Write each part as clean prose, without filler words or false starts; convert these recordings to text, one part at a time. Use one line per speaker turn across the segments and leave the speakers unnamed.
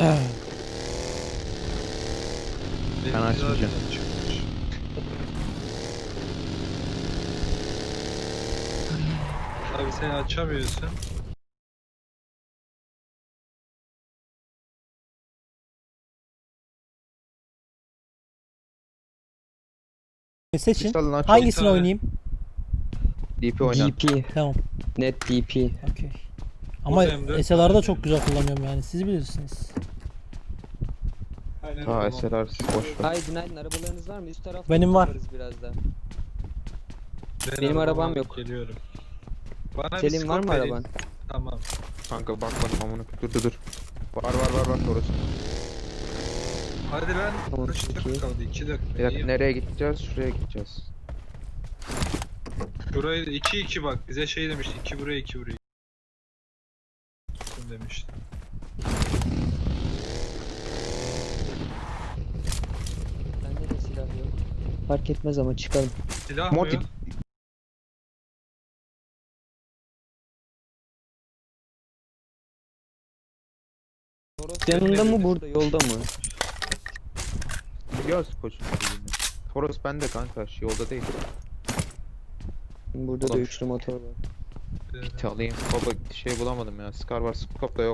Ben açmayacağım.
Abi sen açamıyorsun.
Seçin.
Salın aç.
Hangisini
tane.
oynayayım?
DP oynan.
DP.
Tamam.
Net DP.
Okey. Ama
Buradayım, dört
SLR'da
tane
çok güzel kullanıyorum yani. Siz bilirsiniz.
Aynen
Ha
öyle.
SLR boş ver.
Ay günaydın, arabalarınız var mı? Üst tarafta
Benim var.
yaparız biraz da.
Ben
Benim arabam
alıp
yok.
Geliyorum. Bana bir
Selim var
skop
mı
verin.
araban?
Tamam.
Kanka bakmadım amına. Dur. Var orası.
Hadi lan.
Tamam,
Kaç
çok
dakika
iyi.
kaldı? 2 dakika.
Bir dakika
İyi.
nereye gideceğiz? Şuraya gideceğiz.
Burayı 2-2 bak. Bize şey demişti. 2 buraya 2 buraya. Demişti.
Bende de silah yok. Fark etmez ama çıkalım.
Silah mı
Motif.
yok?
Yanında mı, burada yolda mı?
Biliyoruz koçum. Toros bende kanka. Yolda değil.
Burada da
Ulan.
üçlü motor var.
Kit alayım. Baba şey bulamadım ya. Scar var. Scope da yok.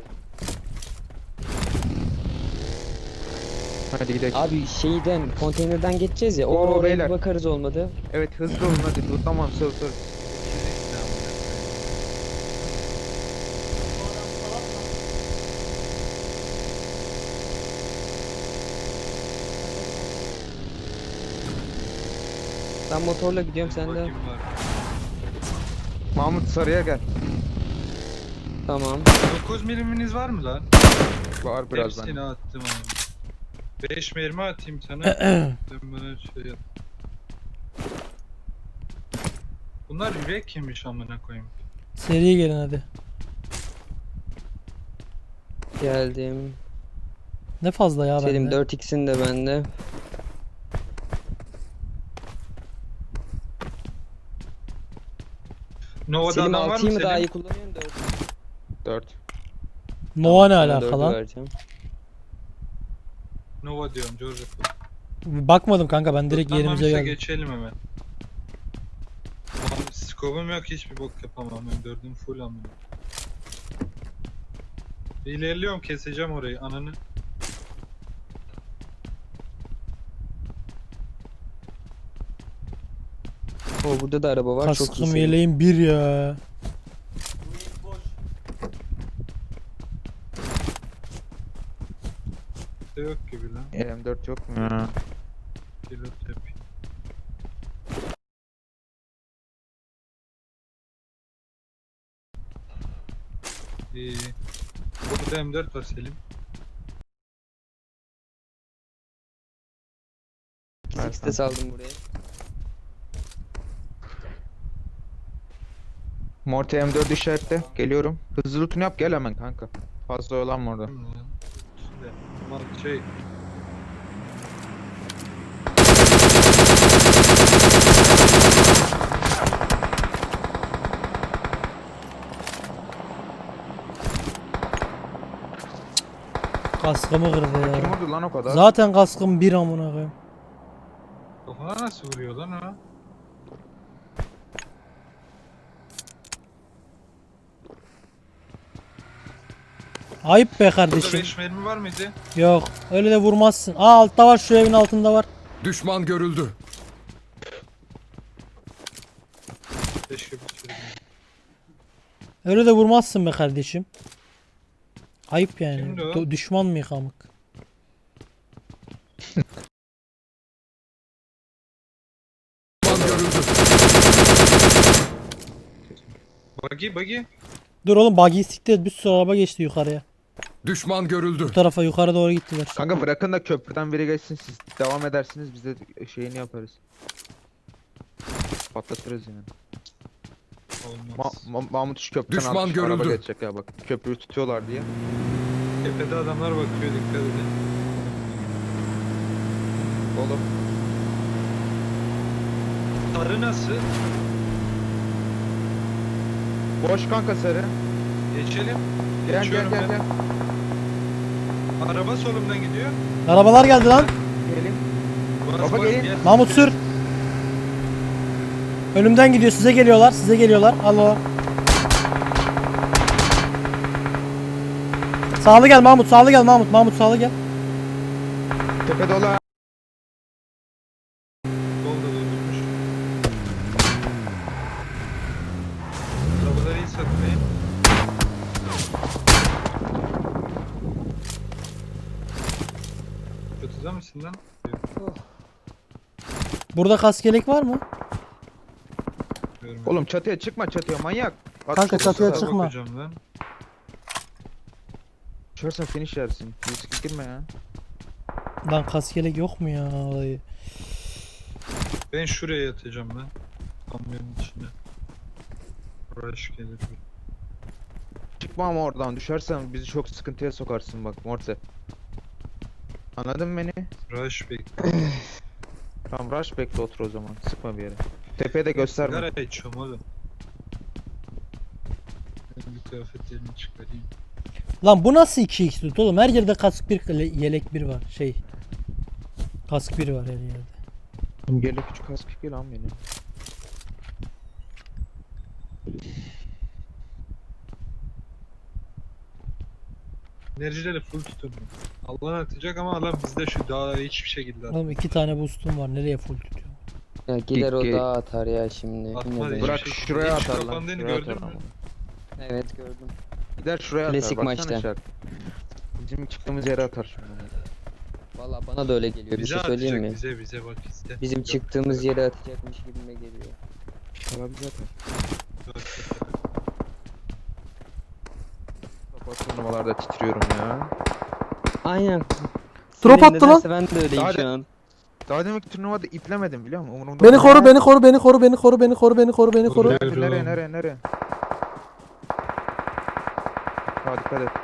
Hadi gidelim.
Abi şeyden, konteynerden geçeceğiz ya.
Oo,
Oraya
beyler.
bir bakarız olmadı.
Evet hızlı olun hadi. Tamam sor.
Ben motorla gidiyorum, sen de.
Bakayım var.
Mahmut sarıya gel.
Tamam.
9 miliminiz var mı lan?
Var biraz
Hepsini
bende.
attım abi. 5 mermi atayım sana. Sen bana şey yap. Bunlar yürek yemiş amına koyayım.
Seriye gelin hadi.
Geldim.
Ne fazla ya
Selim
bende.
4x'in de bende.
Nova'da
Selim
adam var mı
6'yı mı daha
Selim?
iyi kullanıyorsun, 4'ü?
4.
Nova ne
Sana
alaka
4'ü
lan?
vereceğim.
Nova diyorum George.
Bakmadım kanka, ben direkt yerimize
Tutlanmamışsa
geldim.
geçelim hemen. Abi skobum yok, hiçbir bok yapamam ben, dördüm full amına. İlerliyorum, keseceğim orayı ananı.
Oo, burada da araba var, çok iyi.
Kaskım
Selim.
yeleğim bir ya.
Yok gibi lan.
M4 yok mu?
Pilot yapayım. İyi. Burada M4 var Selim.
Six de saldım buraya.
Morty M4 işaretle. Geliyorum. Hızlı loot'unu yap gel hemen kanka. Fazla oyalanma orada.
Değil mi lan? Üstünde. Aman şey.
Kaskımı kırdı
Kim
ya.
vurdu lan o kadar?
Zaten kaskım bir amına koyayım.
Kafana nasıl vuruyor lan o?
Ayıp be
Burada
kardeşim.
5 mermi var mıydı?
Yok, öyle de vurmazsın. Aa, altta var, şu evin altında var.
Düşman görüldü.
Keşke bir sürü.
Öyle de vurmazsın be kardeşim. Ayıp yani.
Kimdi o?
Düşman mı yıkamık?
Düşman görüldü.
Buggy.
Dur oğlum, buggy'i siktir, bir sürü araba geçti yukarıya.
Düşman görüldü.
Bu tarafa, yukarı doğru gittiler.
Kanka bırakın da köprüden biri geçsin siz devam edersiniz biz de şeyini yaparız. Patlatırız yani.
Olmaz.
Mahmut şu köprüden
Düşman
araba
görüldü.
geçecek ya bak. Köprüyü tutuyorlar diye.
Tepede adamlar bakıyor, dikkat edin.
Oğlum.
Sarı nasıl?
Boş kanka sarı.
Geçelim.
Gel
Geçiyorum ben. Araba solumdan gidiyor.
Arabalar geldi lan.
Gelin.
Bas,
Baba
bas,
gelin.
gel.
Mahmut sür. Önümden gidiyor. Size geliyorlar. Size geliyorlar. Alo. Sağlı gel Mahmut. Sağlı gel Mahmut. Mahmut sağlı gel.
Tepe dolu. ha.
Solda durdurmuş. Arabaları iyi satmayın. Çatıda mısın lan? Yok,
Burada kaskelek var mı?
görmedim.
Oğlum çatıya çıkma çatıya manyak. At
Kanka
şurada,
çatıya
sağa
çıkma.
Bakacağım lan.
Düşersen finish yersin. Riske girme ya.
Lan kaskelek yok mu ya? Vallahi.
Ben şuraya yatacağım lan. Kamyonun içine. Rush gelir.
Çıkma ama oradan düşersen bizi çok sıkıntıya sokarsın bak Morse. Anladın mı beni?
Rush bekle.
Tamam rush bekle otur o zaman. Sıkma bir yere. Tepeye de gösterme.
Sigara içiyorum oğlum. Ben bir kıyafetlerimi çıkarayım.
Lan bu nasıl 2x tut oğlum? Her yerde kask bir yelek bir var. Kask bir var her yerde.
Gel küçük kask gel lan beni.
Enerjileri full tutun. Allah atacak ama adam bizde şu daha hiçbir şekilde
Oğlum 2 tane boostum var. Nereye full tutuyor?
Ya gider o
Peki.
dağa atar ya şimdi.
Atmadı
Yine de-
hiç.
Bırak
şey-
şuraya
hiç
atar lan.
kapandığını
Şuraya
gördün
atar
mü?
ama.
Evet gördüm.
Gider şuraya
Klasik
atar. Baksana
maçta.
şarkı. Bizim çıktığımız yere atar şimdi.
Valla bana da öyle geliyor. Bir
Bize
şey söyleyeyim
atacak,
mi?
bize bak bizde.
Bizim
Yok,
çıktığımız yere atacakmış gibime geliyor.
Abi zaten.
yok.
Kapat turnuvalarda titriyorum ya.
Aynen.
Drop
Senin
attı lan.
nedense Ben de öyleyim
Daha
şu
de-
an.
Daha demek turnuvada iplemedim biliyor musun? Umurumda
Beni
değil.
koru, beni koru, beni koru, beni koru, beni koru, beni koru, beni koru.
Nereye nereye nereye nereye? Hadi dikkat et.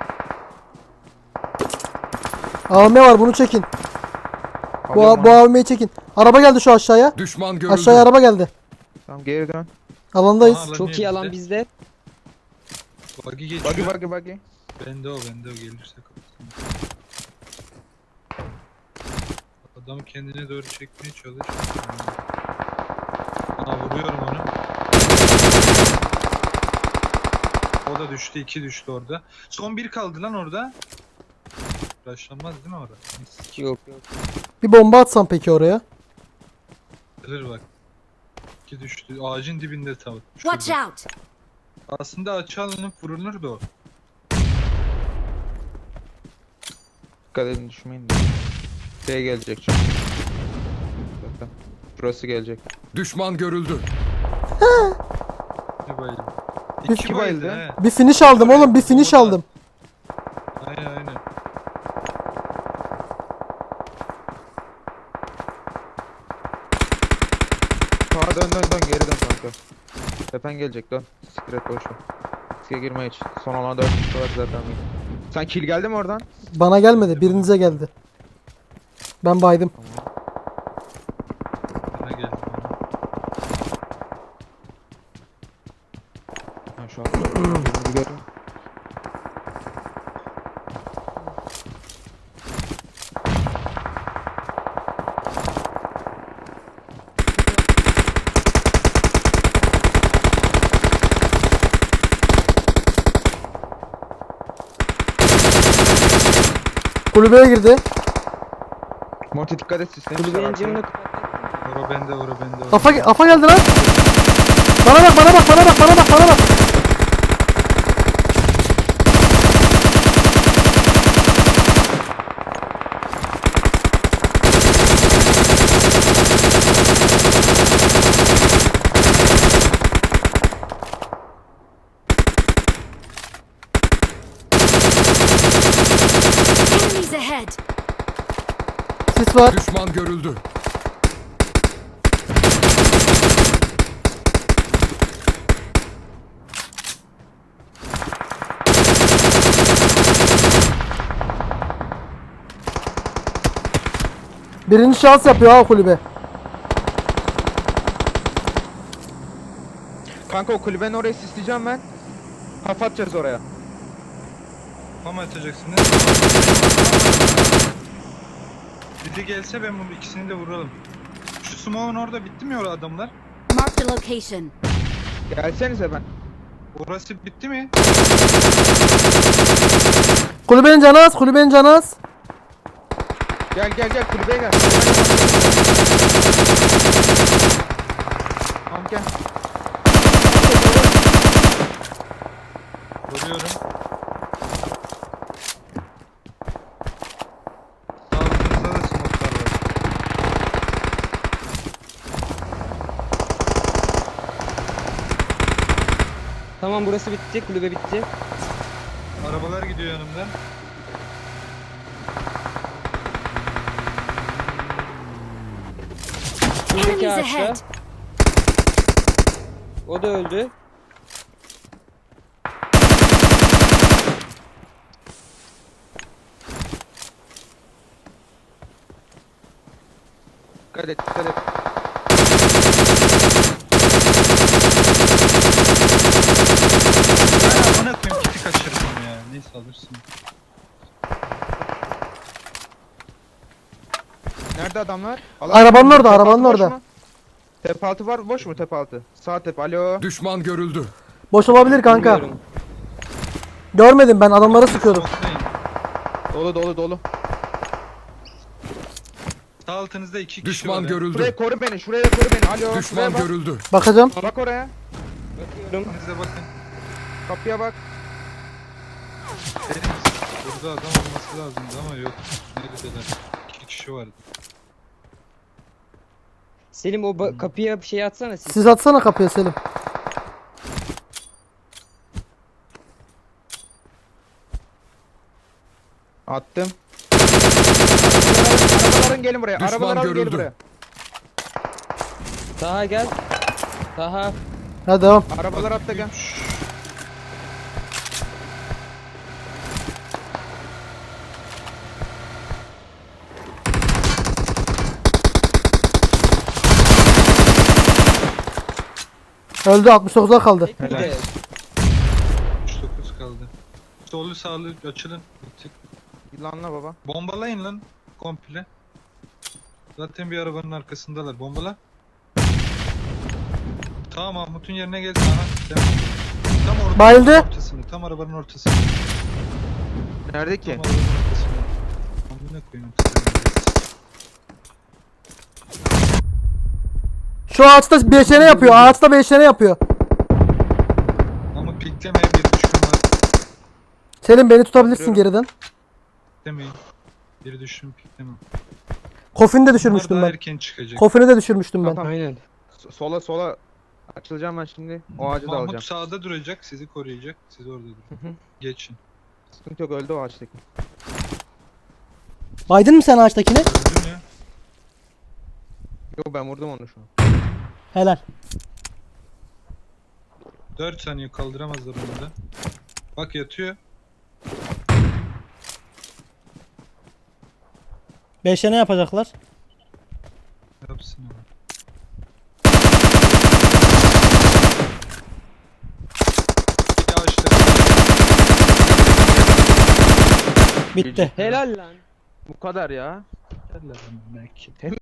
AVM var, bunu çekin.
Alıyorum
Bu
onu.
AVM'yi çekin. Araba geldi şu aşağıya.
Düşman görüldü.
Aşağıya araba geldi.
Tamam geri dön.
Alandayız.
Aha,
Çok iyi alan bizde.
Buggy geçiyor.
Buggy.
Bende o gelirse kapatsın. Adam kendine doğru çekmeye çalış. Aa vuruyorum onu. O da düştü, 2 düştü orada. Son 1 kaldı lan orada. Başlanmaz değil mi orada?
Yok yok.
Bir bomba atsam peki oraya.
Gelir bak. 2 düştü. Ağacın dibinde tam.
Watch
Şurada.
out!
Aslında açı alınıp vurulur da o.
Dikkat edin düşmeyin de. Şey gelecek çünkü. Zaten. Burası gelecek.
Düşman görüldü.
Ne bayıldı?
Bir-
2
bayıldı.
bayıldı he.
Bir finish aldım oğlum, bir finish
Bomba da-
aldım.
Aynen.
Sağa dön geri dön kanka. Tepen gelecek dön. Sikret boş ver. Riske girme hiç. Son olan 4 kişi var zaten. Sen kill geldi mi oradan?
Bana gelmedi, birinize geldi. Ben baydım.
Bana geldi.
Ha şu an. Birini gördüm.
Kulübeye girdi.
Monty dikkat et sistemi.
Kulübenin camını kapattın mı?
Ora bende.
Afa geldi lan. Bana bak, bana bak, bana bak, bana bak, bana bak.
Enemies ahead!
Sis var.
Düşman görüldü.
Birinci şans yapıyor ha kulübe.
Kanka o kulübenin orayı sisleyeceğim ben. Kafa atacağız oraya.
Kafa mı atacaksınız? Biri gelse ben bunu ikisini de vuralım. Şu smoke'un orada bitti mi o adamlar?
Marked a location.
Gelsenize ben.
Orası bitti mi?
Kulübenin canı az, kulübenin canı az.
Gel kulübeye gel. Tamam gel.
Vuruyorum. Sağlığınızda da smoke'lar var.
Tamam burası bitti. Kulübe bitti.
Arabalar gidiyor yanımdan.
Buradaki
Enemies
ağaçta.
ahead.
O da öldü.
Dikkat et.
Ya amına koyayım kiti kaçırdım ya. Neyse alırsın.
Nerede adamlar?
Arabanın orada,
Tepe
arabanın
altı boş
orada.
mu? Tepe altı var, boş mu tepe altı? Sağ tepe, alo.
Düşman görüldü.
Boş olabilir kanka.
Bilmiyorum.
Görmedim, ben adamlara sıkıyordum.
Smoke'dayım.
Dolu.
Sağ altınızda 2 kişi
Düşman
var. ya.
görüldü.
Şuraya koru beni, şuraya koru beni, alo.
Düşman
Şuraya bak.
görüldü.
Bakacağım.
Bak oraya,
Bakıyorum.
Size bakın.
kapıya bak.
Dedim burada adam olması lazımdı ama yok. Neredeler? 2 kişi vardı.
Selim o kapıya bir şey atsana siz.
Siz atsana kapıya Selim.
Attım. Arabaların gelin buraya,
Düşman
arabaların gelin
görüldü.
buraya.
Taha gel. Taha.
Hadi devam.
Arabalar hatta gel.
Öldü, 69'a kaldı.
Bir de
39 kaldı. Sollu sağlı açılın. Bir tık.
Yılanla baba.
Bombalayın lan komple. Zaten bir arabanın arkasındalar. Bombala. Tamam Mahmut'un yerine geldi. Aha. Tam orada.
Bayıldı.
Ortasını. Tam arabanın ortasını.
Nerede
Tam
ki?
arabanın ortasını. Amına koyayım.
Şu ağaçta beşene yapıyor, ağaçta beşene yapıyor.
Ama piklemeye bir düşkün var.
Selim beni tutabilirsin geriden.
Piklemeyin. Bir düşün pikleme.
Kofini de
Bunlar
düşürmüştüm
daha
ben.
erken çıkacak.
Kofini de düşürmüştüm ben.
Tamam.
aynen.
Sola açılacağım ben şimdi. O ağacı da
Mahmut
alacağım.
sağda duracak, sizi koruyacak. Siz orada durun. Geçin.
Sıkıntı yok, öldü o ağaçtaki.
Baydın mı sen ağaçtakini?
Öldün ya.
Yok ben vurdum onu şu an.
Helal.
4 saniye kaldıramazlar onu da. Bak yatıyor.
Beşene yapacaklar.
Yapsın ama. Bir ağaçta.
Bitti.
Helal lan.
Bu kadar ya.
Yerler ama belki.